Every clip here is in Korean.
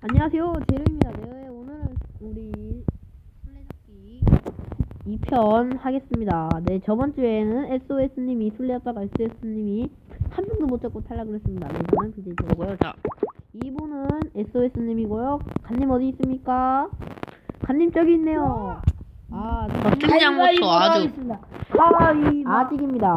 안녕하세요, 제로입니다. 네, 오늘은 우리 술래잡기 2편 하겠습니다. 네, 저번 주에는 SOS님이 술래잡다가 SOS님이 한 명도 못 잡고 탈락을 했습니다. 네, 저는 BJ 제로고요. 자, 2분은 SOS님이고요. 간님 어디 있습니까? 간님 저기 있네요. 아, 등장부터 아주 아직입니다.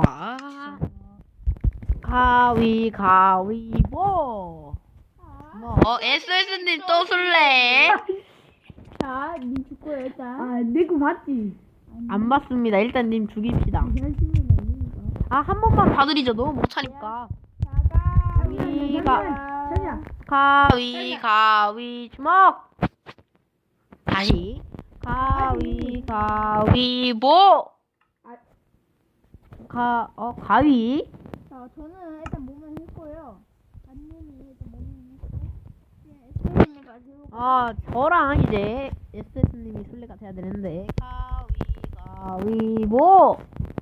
가위바위보. SOS님 또 술래. 자, 님 죽고요 일단. 내 거 봤지? 안 봤습니다. 일단 님 죽입시다. 하시면 됩니다. 아, 한 번만 봐드리죠. 너무 못하니까. 가위 주먹. 다시 가위바위보. 가위. 자, 저는 일단 몸을 했고요. 안님이 일단 몸을 했고, SOS님 가지고. 저랑 이제 SS님이 술래가 돼야 되는데 가위바위보.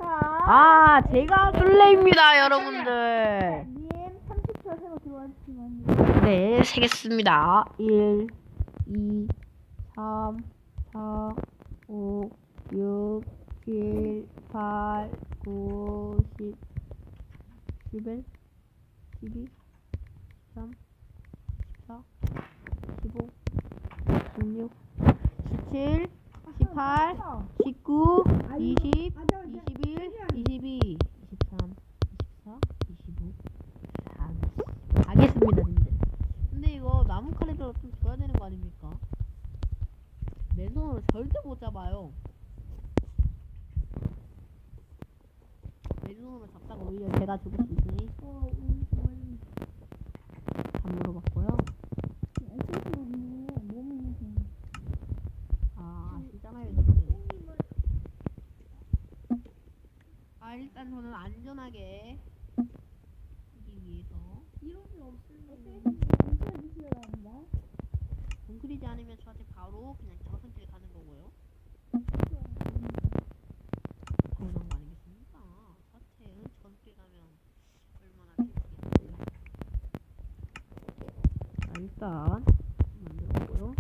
제가 술래입니다, 여러분들. 님 30초 세고 들어와주시면 네, 세겠습니다. 1, 2, 3, 4, 5, 6, 7, 8, 9, 10, 11, 12, 13, 14, 15, 16, 17, 18, 19, 20, 21, 22, 23, 24, 25, 30. 가겠습니다, 님들. 근데 이거 나무 칼에다가 좀 줘야 되는 거 아닙니까? 맨손으로 절대 못 잡아요. 맨손으로 잡다가 오히려 제가 죽을 수 있으니 안 물어봤고요. 아시잖아요, 님들. 일단 저는 안전하게 하기 위해서 웅크리지 않으면 저한테 바로 그냥 저승길 가는 거고요. 당연한 거 아니겠습니까? 사태는 저승길 가면 얼마나 슬프겠어요. 자, 일단 만들었고요.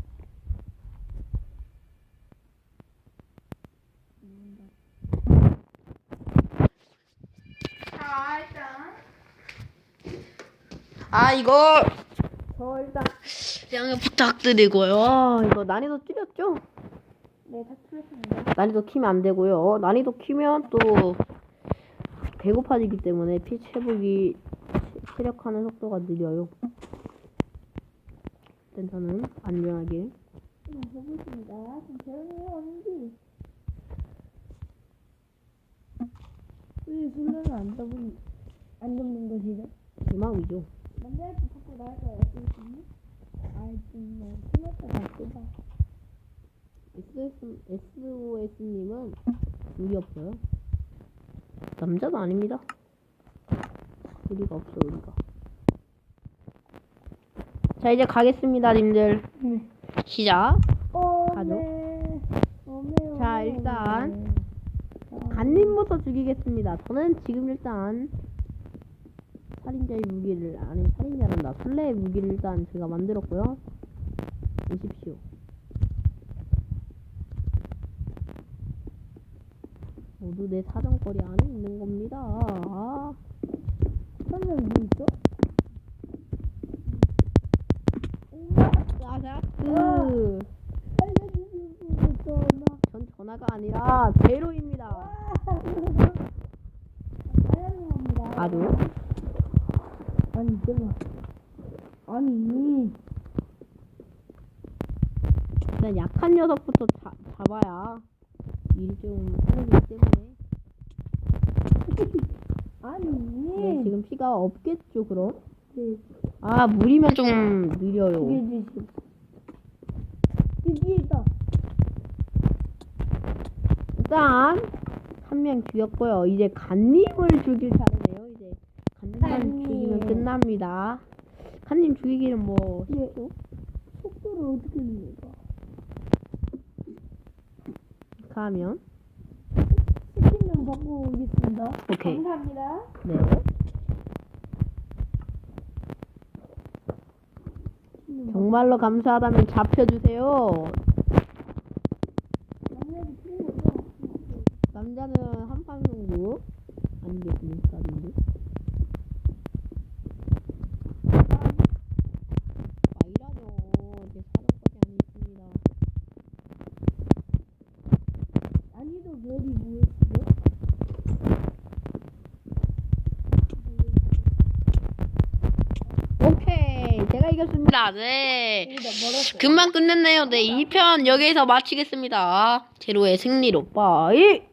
이거 저 일단 양해 부탁드리고요. 이거 난이도 줄였죠? 네, 다 틀렸습니다. 난이도 키면 안 되고요. 난이도 키면 또 배고파지기 때문에 피 회복이 체력하는 속도가 느려요. 일단 저는 안전하게 해보겠습니다. 지금 재현이 어딘지. 왜 술래는 안 잡는 것이죠? 희망이죠. 남자한테 자꾸 나갈까요? SOS님? 좀 틀렸다 나쁘다. SOS님은 의리 없어요. 남자도 아닙니다. 의리가 없어, 의리가. 자, 이제 가겠습니다, 님들. 네. 시작. 가죠. 네. 자, 일단 간님부터 죽이겠습니다. 저는 지금 일단 살인자의 무기를, 아니 살인자란다, 술래의 무기를 일단 제가 만들었고요. 보십시오. 모두 내 사정거리 안에 있는 겁니다. 선생 뭐 있어? 알려주시면 전화. 전 전화가 아니라 제로입니다. 사연합니다. 아주. 아니 잠깐. 아니. 일단 약한 녀석부터 잡아야 일이 좀 하기 때문에. 아니. 네, 지금 피가 없겠죠, 그럼? 네. 물이면 좀 느려요. 이게 뒤에 있다. 일단 한 명 죽였고요. 이제 간님을 죽일 차례네요. 이제 간님만 죽이면 끝납니다. 간님 죽이기는 뭐 예. 속도를 어떻게 냅니까? 가면 스킨 좀 바꾸고 오겠습니다. 오케이. 감사합니다. 네. 정말로 감사하다면 잡혀주세요. 만약에 틀린 거죠? 남자는 한판 승부 아니겠습니까? 근데 이라뇨. 제 사정까지 안 있습니다. 난이도 맵이 뭐였죠? 오케이, 제가 이겼습니다. 네. 여기다 멀었어요. 금방 끝냈네요. 네, 2편 여기서 마치겠습니다. 제로의 승리로 빠이.